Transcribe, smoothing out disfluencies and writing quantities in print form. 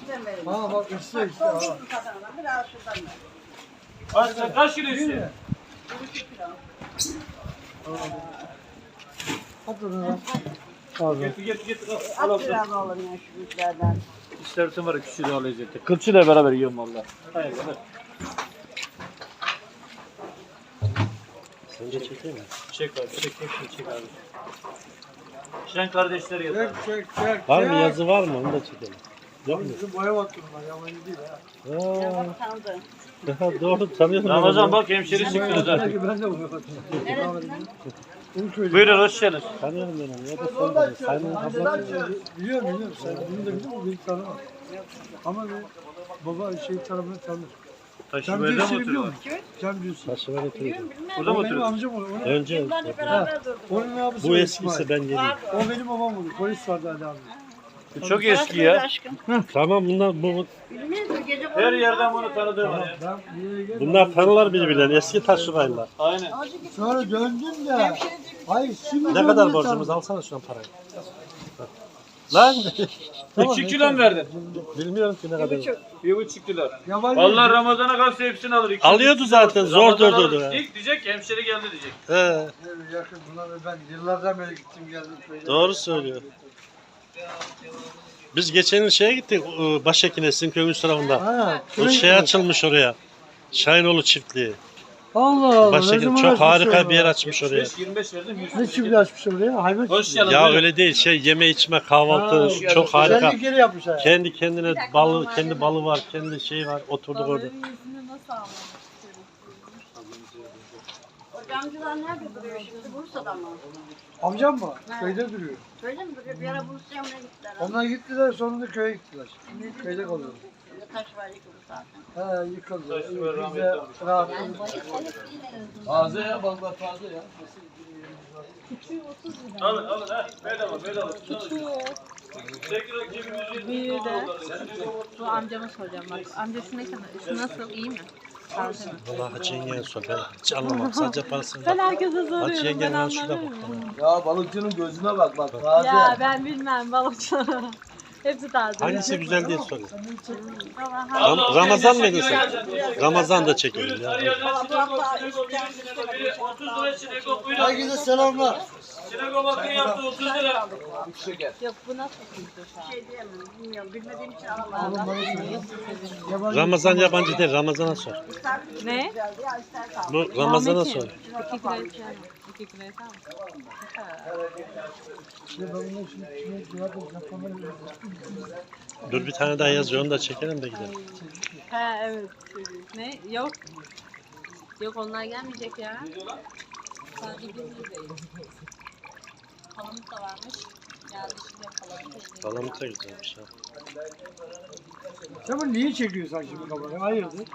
içten verelim. Ha bak işte. Ha. Biraz şuradan ver. Kaç kilo istiyor? 1,5 kilo. At onu lan. Pardon. Getir. At biraz oğlum ya şu büyüklerden. İstersen var ya küçüğü daha lezzetli. Kılçıyla beraber yiyorum valla. Hayır. Sen de çekeyim mi? Çek abi, çek abi. Şen kardeşleri yazar. Çek. Var mı yazı var mı? Onu da çekelim. Yok mu? Bizim boya baktım ben. Yabancı değil ha. Ya Aa, bak tanıdı. doğru tanıyorum. Ramazan bak hemşeri çıktınız ha. Belki ben de boya baktım. Neresinden? Onu söyleyeyim. Buyurun hoş geldiniz. Tanıyorum ben onu. Ya da sen de. Sayın ablası. Biliyorum. Sen bunu da biliyor musun? Beni tanımam. Ama baba tarafını tanır. Taşı Sen böyle mi birisini biliyor oturuyor? musun? Sen biliyorsun. Taşı var oturuyor. Bilmiyorum bilmem. Burada mı O benim oturuyor? amcam onu. Önce Yıllarca beraber durduk. Onun abisi bu var eskisi İsmail. ben geleyim. O benim babam oldu. Polis vardı Ali abi. Çok eski ya. Aşkım. Tamam bu Bilmiyorum gece Her yerden bunu tanıdığım var ya. Ben bir yere geldim. bunlar tanırlar birbirlerini. Eski taşıraylar. Aynen. Sonra döndüm de. Hayır şimdi Ne kadar borcumuz? Alsana şuna parayı. Lan 2 kilo mu verdin? bilmiyorum ki ne kadar. 1,5 kilo. Yabancı. Vallahi Ramazan'a kalsa hepsini alır. İki Alıyordu zaten zor Ramazan alır. durdurdu. İlk diyecek ki hemşeri geldi diyecek. He, Evet, yakın buna ve ben yıllardan beri gittim geldim köyde. doğru söylüyor. Biz geçen yıl şeye gittik Başekin'e sizin köyün üst tarafında. Ha, O şey açılmış oraya. Şahinoğlu çiftliği. Allah Allah. Başekin çok harika bir yer açmış oraya. 25 verdim 100. Ne çiftliği açmış oraya? Hayvan Hoş çiftliği. geldin. Ya buyurun. öyle değil yeme içme kahvaltı Ha, çok harika. Kendi geri yapmış ha. Kendi kendine balı, kendi balı var, kendi şey var. Oturduk orada. O camcılar nerede duruyor şimdi? Bursa'da mı? Amcam mı? Ha. Köyde duruyor. Öyle mi duruyor? Bir ara Bursa'ya mı ne gittiler? Onlar gittiler sonunda köye gittiler. Köyde kalıyor. Taş var yıkıldı zaten. He yıkıldı. Taş var, Biz rahmetli de olmuş. rahat. Taze ya balıklar taze ya. Alın ha. Bedava. Tekrar 200 Büyüğü de. Bu amcama soracağım bak. Amca şu ne kadar? Şu nasıl? İyi mi? Taze mi? Vallahi Hacı yengeye sor. Ben hiç anlamam. Sadece parasını Ben bak. herkese Hacı soruyorum. Ben yengenin ben şurada anlamıyorum. bak. Ya balıkçının gözüne bak taze. Ya ben bilmem balıkçıları. Hepsi taze. Hangisi güzel diye soruyor. Ama Ramazan mıydı sen? Ramazan da çekelim ya. biri 30 lira çileko buyurun. Herkese selamlar. Çileko bakın yaptı 30 lira. yok bu nasıl tuzlu şu an? Şey diyemem. Bilmiyorum. Bilmediğim için alamadım. Yabancı. Ramazan yabancı değil. Ramazan'a sor. Ne? Geldi ya ister sağ ol. Bu Ramazan'a Ahmet'im, sor. 2 kilo istiyor mu? 2 kilo yeter mi? Ben bunun şimdi cevap yapamıyorum. Dur bir tane daha yazıyor. Onu da çekelim de gidelim. He evet. Ne? Yok. Yok onlar gelmeyecek ya. Sadece biz değil. Palamut da varmış. Geldi şimdi palamut. Palamut da güzelmiş ha. Sen bunu niye çekiyorsun şimdi kamerayı? Hayırdır?